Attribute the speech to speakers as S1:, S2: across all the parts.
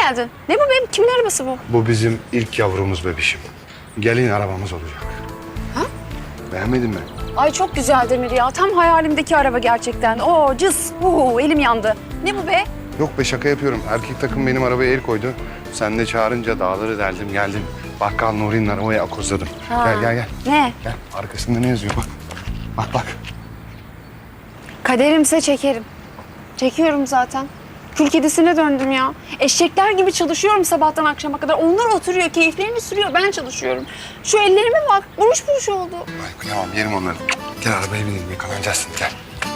S1: geldin. Ne bu benim? Kimin arabası bu?
S2: Bu bizim ilk yavrumuz bebişim. Gelin arabamız olacak.
S1: Ha?
S2: Beğenmedin mi?
S1: Ay çok güzel Demir ya. Tam hayalimdeki araba gerçekten. Oo cız. Elim yandı. Ne bu be?
S2: Yok be şaka yapıyorum. Erkek takım benim arabaya el koydu. Sen de çağırınca dağları deldim geldim. Bakkal Nuri'nin arabaya akozladım.
S1: Ha.
S2: Gel.
S1: Ne?
S2: Gel. Arkasında ne yazıyor bak. Bak.
S1: Kaderimse çekerim. Çekiyorum zaten. Kül kedisine döndüm ya. Eşekler gibi çalışıyorum sabahtan akşama kadar. Onlar oturuyor, keyiflerini sürüyor. Ben çalışıyorum. Şu ellerime bak. Buruş buruş oldu.
S2: Ay kıyamam yerim onları. Gel arabaya binelim yakalanacaksın gel.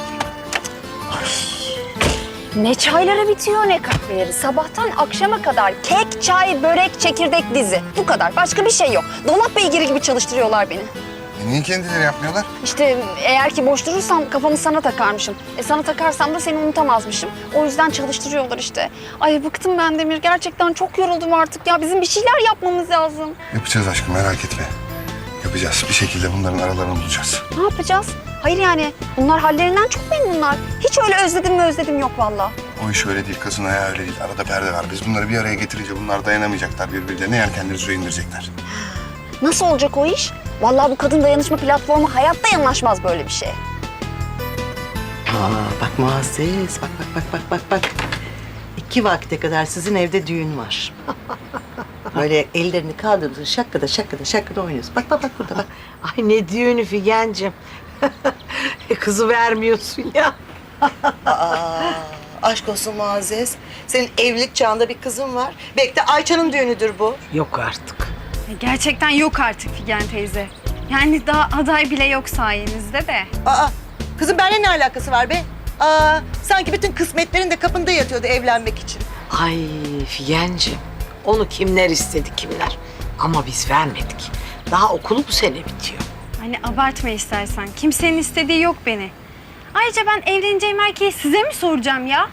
S1: Ne çayları bitiyor ne kahveleri. Sabahtan akşama kadar kek, çay, börek, çekirdek dizi. Bu kadar. Başka bir şey yok. Dolap beygiri gibi çalıştırıyorlar beni.
S2: Niye kendileri yapmıyorlar?
S1: İşte eğer ki boş durursam kafamı sana takarmışım. Sana takarsam da seni unutamazmışım. O yüzden çalıştırıyorlar işte. Ay bıktım ben Demir. Gerçekten çok yoruldum artık ya. Bizim bir şeyler yapmamız lazım.
S2: Yapacağız aşkım merak etme. Yapacağız. Bir şekilde bunların aralarını bulacağız.
S1: Ne yapacağız? Hayır yani bunlar hallerinden çok memnunlar. Hiç öyle özledim yok vallahi.
S2: O iş öyle değil. Kızın ayağı öyle değil. Arada perde var. Biz bunları bir araya getirince bunlar dayanamayacaklar birbirlerine. Yelkenleri suya indirecekler.
S1: Nasıl olacak o iş? Vallahi bu kadın dayanışma platformu hayatta yanaşmaz böyle bir şeye.
S3: Bak Muazzez, bak. 2 vakte kadar sizin evde düğün var. Böyle ellerini kaldırdı, şakkada oynuyorsun. Bak burada bak.
S4: Ay ne düğünü Figen'cim. Kızı vermiyorsun ya.
S3: Aşk olsun Muazzez. Senin evlilik çağında bir kızın var. Belki de Ayça'nın düğünüdür bu.
S4: Yok artık.
S1: Gerçekten yok artık Figen teyze. Yani daha aday bile yok sayenizde de.
S3: Kızım benimle ne alakası var be? Sanki bütün kısmetlerin de kapında yatıyordu evlenmek için.
S4: Ay Figen'cim. Onu kimler istedi kimler. Ama biz vermedik. Daha okulu bu sene bitiyor.
S5: Hani abartma istersen. Kimsenin istediği yok beni. Ayrıca ben evleneceğim erkeği size mi soracağım ya?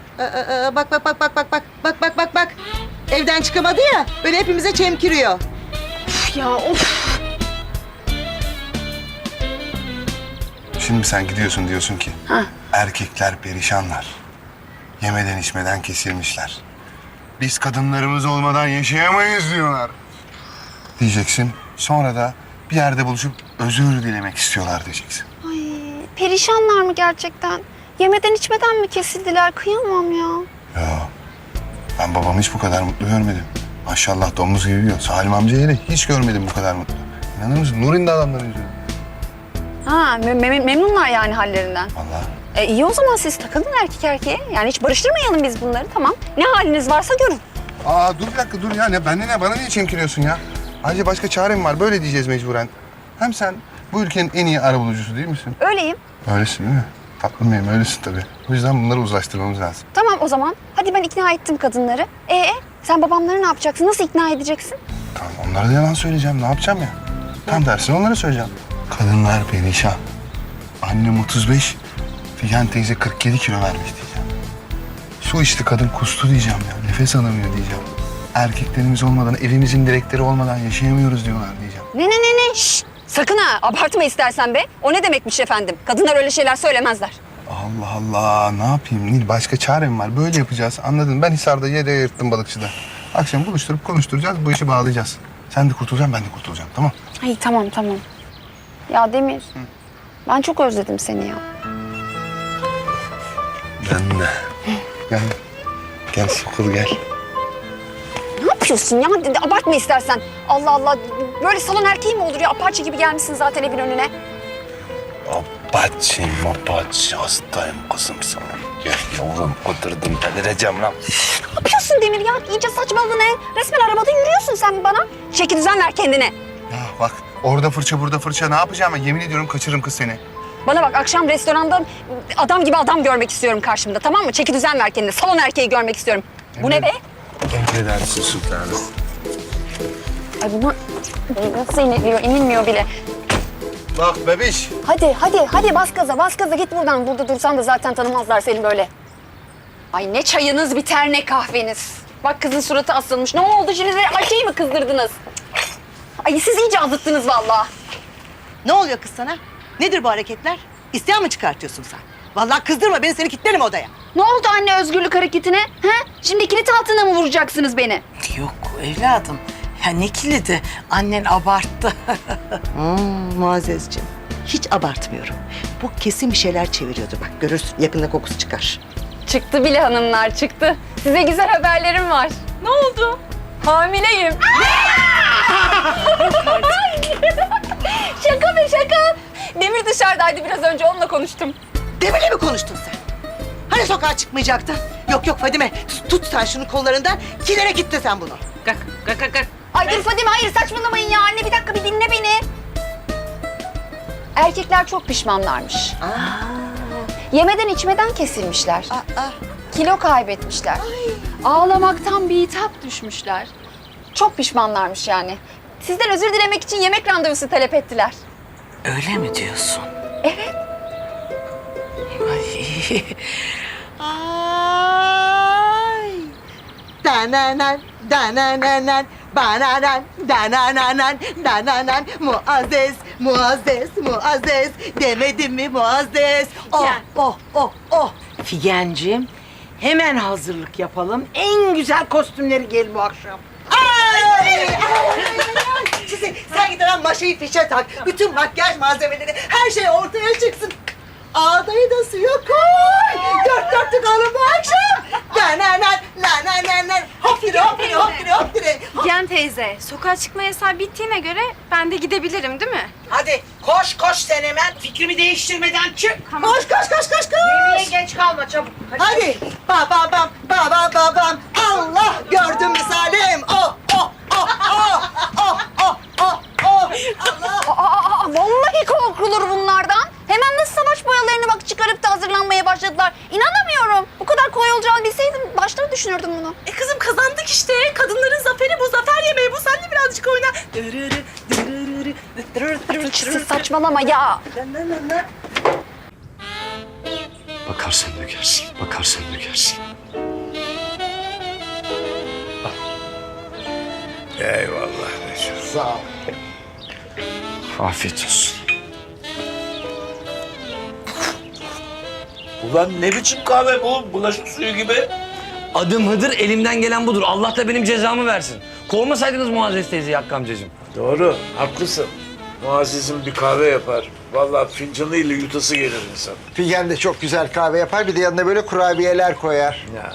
S3: Bak. Evden çıkamadı ya, böyle hepimize çemkiriyor.
S1: Of.
S2: Şimdi sen gidiyorsun diyorsun ki erkekler perişanlar. Yemeden içmeden kesilmişler. Biz kadınlarımız olmadan yaşayamayız diyorlar. Diyeceksin. Sonra da bir yerde buluşup özür dilemek istiyorlar diyeceksin.
S1: Ay perişanlar mı gerçekten? Yemeden içmeden mi kesildiler? Kıyamam ya.
S2: Ya ben babamı hiç bu kadar mutlu görmedim. Maşallah domuz gibi yiyor. Salim amcayı da hiç görmedim bu kadar mutlu. İnanır mısın? Nuri'nin de adamları yüzüyor.
S1: Memnunlar yani hallerinden.
S2: Vallahi.
S1: İyi o zaman siz takılın erkek erkeğe. Yani hiç barıştırmayalım biz bunları tamam. Ne haliniz varsa görün.
S2: Dur bir dakika dur ya. Bana niye çemkiriyorsun ya? Ayrıca başka çarem var. Böyle diyeceğiz mecburen. Hem sen bu ülkenin en iyi arabulucusu değil misin?
S1: Öyleyim.
S2: Öylesin değil mi? Tatlım benim öylesin tabii. O yüzden bunları uzlaştırmamız lazım.
S1: Tamam o zaman. Hadi ben ikna ettim kadınları. Sen babamları ne yapacaksın? Nasıl ikna edeceksin?
S2: Tamam onlara da yalan söyleyeceğim. Ne yapacağım ya? Tam tersini onlara söyleyeceğim. Kadınlar perişan. Annem 35, Figen teyze 47 kilo vermiş diyeceğim. Su içti kadın kustu diyeceğim ya. Nefes alamıyor diyeceğim. Erkeklerimiz olmadan, evimizin direkleri olmadan yaşayamıyoruz diyorlar diyeceğim.
S1: Ne? Şşş! Sakın ha! Abartma istersen be. O ne demekmiş efendim? Kadınlar öyle şeyler söylemezler.
S2: Allah Allah ne yapayım Nil başka çarem var böyle yapacağız anladın mı? Ben Hisar'da yere yırttım balıkçıda. Akşam buluşturup konuşturacağız bu işi bağlayacağız. Sen de kurtulacaksın ben de kurtulacağım tamam.
S1: Ay tamam. Ya Demir, ben çok özledim seni ya.
S2: Ben de. Gel Sokul gel.
S1: Ne yapıyorsun ya? Abartma istersen. Allah Allah. Böyle salon erkeği mi olur ya? Apache gibi gelmişsin zaten evin önüne.
S2: Apache hastayım kızım sana. Gel yavrum oturdum delireceğim lan.
S1: Ne yapıyorsun Demir ya? İyice saçmaladın he. Resmen arabada yürüyorsun sen bana. Çeki düzen ver kendine.
S2: Ya bak orada fırça burada fırça ne yapacağım ben yemin ediyorum kaçırırım kız seni.
S1: Bana bak akşam restoranda adam gibi adam görmek istiyorum karşımda tamam mı? Çeki düzen ver kendine. Salon erkeği görmek istiyorum. Bu ne be?
S2: Emredersin sultanım.
S1: Ay bunu nasıl inilmiyor bile.
S2: Bak bebiş.
S1: Hadi bas gaza git buradan. Burada dursan da zaten tanımazlar seni böyle. Ay ne çayınız biter ne kahveniz. Bak kızın suratı asılmış. Ne oldu şimdi Ayşe'yi mi kızdırdınız? Ay siz iyice azıttınız vallahi.
S3: Ne oluyor kız sana? Nedir bu hareketler? İsyan mı çıkartıyorsun sen? Vallahi kızdırma beni, seni kilitlerim odaya.
S1: Ne oldu anne özgürlük hareketine? He? Şimdi kilit altına mı vuracaksınız beni?
S4: Yok evladım. Ya ne kilidi? Annen abarttı.
S3: Muazzezciğim, hiç abartmıyorum. Bu kesin bir şeyler çeviriyordu bak. Görürsün, yakında kokusu çıkar.
S1: Çıktı bile hanımlar, çıktı. Size güzel haberlerim var. Ne oldu? Hamileyim. Şaka be şaka. Demir dışarıdaydı, biraz önce onunla konuştum.
S3: Demir'le mi konuştun sen? Hani sokağa çıkmayacaktın? Yok yok Fadime, tut sen şunu kollarından. Kilere gitti sen bunu.
S4: Kalk, kalk, kalk, kalk.
S1: Ay dur Fadime, hayır saçmalamayın ya anne. Bir dakika, bir dinle beni. Erkekler çok pişmanlarmış. Yemeden içmeden kesilmişler. Kilo kaybetmişler. Ağlamaktan bitap düşmüşler. Çok pişmanlarmış yani. Sizden özür dilemek için yemek randevusu talep ettiler.
S4: Öyle mi diyorsun?
S1: Evet.
S4: Ay.
S3: Ay. Dananan, dananan, bananan, dananan, dananan. Muazzez, Muazzez, Muazzez. Demedim mi Muazzez? Oh,
S4: Ya.
S3: oh, oh, oh.
S4: Figencim, hemen hazırlık yapalım. En güzel kostümleri gel bu akşam.
S3: Ay! Sen git hemen maşayı fişe tak. Bütün makyaj malzemeleri, her şey ortaya çıksın. Ağdayı da suya koy. Dört dörtlük alın bu akşam. Dananan, lananan, hoptire hoptire hoptire hoptire.
S5: Figen teyze, sokağa çıkma yasağı bittiğine göre ben de gidebilirim değil mi?
S4: Hadi koş koş sen hemen. Fikrimi değiştirmeden çık.
S3: Koş koş koş koş
S4: Yemeğe
S3: koş.
S4: geç kalma çabuk.
S3: Hadi. Babam, babam. Allah gördün mü Salim? Oh, oh, oh, oh, oh, oh, oh, oh. Allah.
S1: Vallahi korkulur bunlardan. Hemen nasıl savaş boyalarını bak çıkarıp da hazırlanmaya başladılar. İnanamıyorum. Bu kadar kolay olacağını bilseydim baştan düşünürdüm bunu.
S6: Kızım kazandık işte. Kadınların zaferi bu. Zafer yemeği bu. Sen de birazcık oyna.
S1: Siz saçmalama ya.
S2: Bakarsan dökersin, bakarsan dökersin.
S7: Eyvallah Neşe.
S2: Sağ ol.
S7: Afiyet olsun. Ulan ne biçim kahve bu? Bulaşık suyu gibi.
S8: Adım Hıdır, elimden gelen budur. Allah da benim cezamı versin. Kovmasaydınız Muazzez teyzeyi Hakkı amcacığım.
S7: Doğru, haklısın. Muazzez'in bir kahve yapar. Vallahi fincanıyla yutası gelir insan.
S9: Figen de çok güzel kahve yapar. Bir de yanına böyle kurabiyeler koyar.
S7: Ya.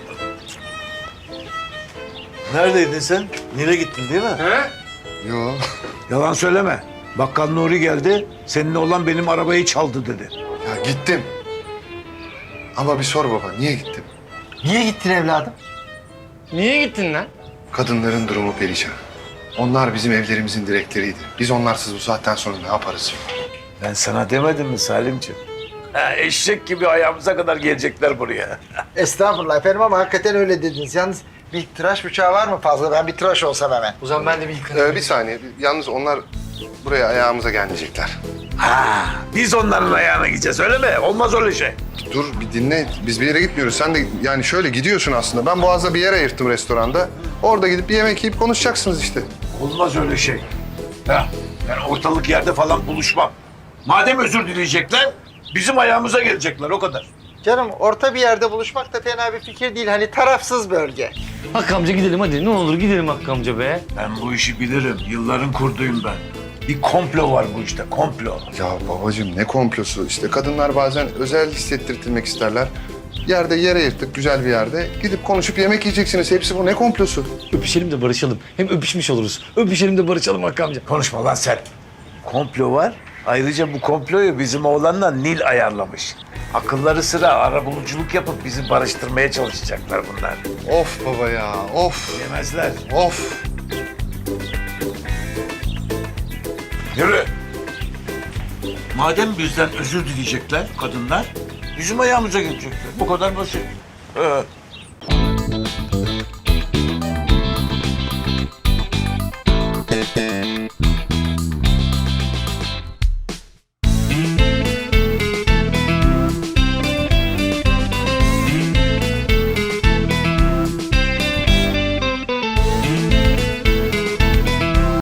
S7: Neredeydin sen? Nil'e gittin değil mi?
S2: Yo.
S7: Yalan söyleme. Bakkal Nuri geldi. Seninle olan benim arabayı çaldı dedi.
S2: Ya gittim. Ama bir sor baba, niye gittim?
S9: Niye gittin evladım?
S8: Niye gittin lan?
S2: Kadınların durumu perişan. Onlar bizim evlerimizin direkleriydi. Biz onlarsız bu saatten sonra ne yaparız?
S7: Ben sana demedim mi Salimciğim? Ha, eşek gibi ayağımıza kadar gelecekler buraya.
S9: Estağfurullah efendim ama hakikaten öyle dediniz. Yalnız bir tıraş bıçağı var mı fazla? Ben bir tıraş olsam hemen.
S8: O zaman ben de bir yıkanayım.
S2: Bir saniye. Yalnız onlar buraya ayağımıza gelmeyecekler.
S7: Ha, biz onların ayağına gideceğiz öyle mi? Olmaz öyle şey.
S2: Dur bir dinle. Biz bir yere gitmiyoruz. Sen de yani şöyle gidiyorsun aslında. Ben Boğaz'da bir yer ayırttım restoranda. Orada gidip bir yemek yiyip konuşacaksınız işte.
S7: Olmaz öyle şey. Ya, ben ortalık yerde falan buluşmam. Madem özür dileyecekler, bizim ayağımıza gelecekler o kadar.
S9: Canım orta bir yerde buluşmak da fena bir fikir değil. Hani tarafsız bölge.
S8: Hakkı amca gidelim hadi. Ne olur gidelim Hakkı amca be.
S7: Ben bu işi bilirim. Yılların kurduyum ben. Bir komplo var bu işte, komplo.
S2: Ya babacığım ne komplosu? İşte kadınlar bazen özel hissettirtilmek isterler. Yerde yer ayırttık güzel bir yerde. Gidip konuşup yemek yiyeceksiniz. Hepsi bu. Ne komplosu?
S8: Öpüşelim de barışalım. Hem öpüşmüş oluruz. Öpüşelim de barışalım Hakkı amca.
S7: Konuşma lan sen. Komplo var. Ayrıca bu komployu bizim oğlanla Nil ayarlamış. Akılları sıra arabuluculuk yapıp bizi barıştırmaya çalışacaklar bunlar.
S2: Of baba ya. Of.
S7: Yemezler.
S2: Of.
S7: Yürü. Madem bizden özür dileyecekler kadınlar, bizim ayağımıza gelecekler. Bu kadar basit.